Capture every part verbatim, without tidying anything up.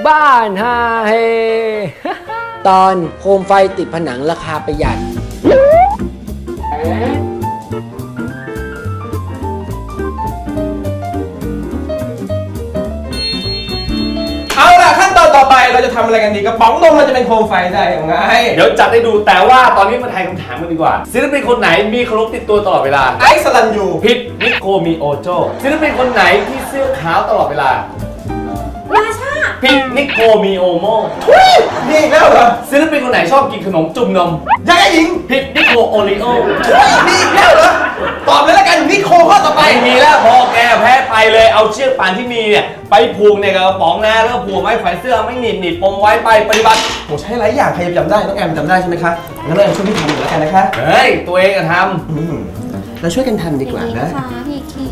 บ้านฮาเฮ ตอนโคมไฟติดผนังราคาประหยัดเอาล่ะขั้นตอนต่อไปเราจะทำอะไรกันดีกระป๋องนมมันจะเป็นโคมไฟได้ยังไงเดี๋ยวจัดให้ดูแต่ว่าตอนนี้มาทายคำถามกันดีกว่าศิลปินคนไหนมีเคารพติดตัวตลอดเวลาไอซ์สลันยูผิดนิโคมีโอโจศิลปินคนไหนที่เสื้อขาวตลอดเวลาราชาผิดนิโคมีโอโมนี่อีกแล้วเหรอศิลปินคนไหนชอบกินขนมจุ่มนมยังไงหญิงผิดนิโคโอริโอนี่อีกแล้วเหรอตอบเลยแล้วกันนิโคข้อต่อไปไม่มีแล้วพอแกแพ้ไปเลยเอาเชือกป่านที่มีเนี่ยไปผูกในกระป๋องนะแล้วผูกไม้แขวนเสื้อไม่หนีบหนีบปมไว้ไปปฏิบัติโหใช้หลายอย่างใครจะจำได้น้องแอมจำได้ใช่ไหมคะงั้นเราช่วยพี่ทำหน่อยแล้วกันนะคะเฮ้ยตัวเองอะทำเราช่วยกันทำดีกว่านะพี่คี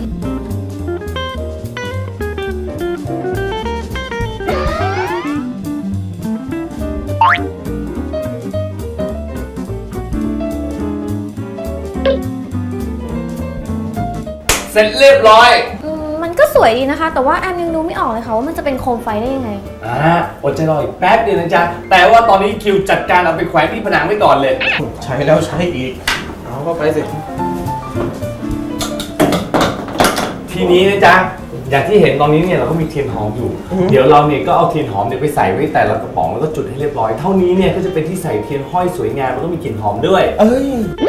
เสร็จเรียบร้อยมันก็สวยดีนะคะแต่ว่าแอมยังดูไม่ออกเลยค่ะว่ามันจะเป็นโคมไฟได้ยังไงอ่าอดใจรออีกแป๊บเดียวนะจ๊ะแต่ว่าตอนนี้คิวจัดการเอาไปแขวนที่ผนังไว้ก่อนเลยใช้แล้วใช้อีกเอาเข้าไปสิทีนี้นะจ๊ะอย่างที่เห็นตอนนี้เนี่ยเราก็มีเทียนหอมอยู่เดี๋ยวเราเนี่ยก็เอาเทียนหอมเนี่ยไปใส่ไว้แต่ละกระป๋องแล้วก็จุดให้เรียบร้อยเท่านี้เนี่ยก็จะเป็นที่ใส่เทียนห้อยสวยงามแล้วก็มีกลิ่นหอมด้วยเอ้ย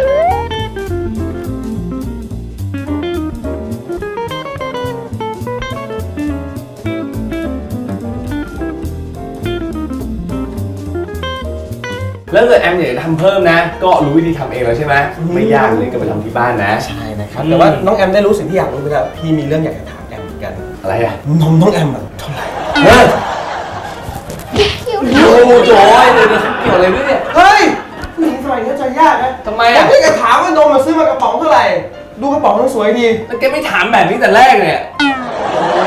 แล้วเกิดแอมอยากจะทำเพิ่มนะก็รู้วิธีทำเองแล้วใช่ไหมไม่ยากเลยก็ไปทำที่บ้านนะใช่นะครับแต่ว่าน้องแอมได้รู้สิ่งที่อยากรู้ไปแล้วพี่มีเรื่องอยากจะถามแอมเหมือนกันอะไรอะนมน้องแอมอะเท่าไหร่เฮ้ยคิวโอ้โหจอยเดี๋ยวเดี๋ยวเกี่ยวอะไรด้วยเนี่ยเฮ้ยผู้หญิงสมัยนี้ใจยากนะทำไมอะอะพี่จะถามว่านมมาซื้อมากระป๋องเท่าไหร่ดูกระป๋องมันสวยดีแล้วแกไม่ถามแบบนี้แต่แรกเนี่ย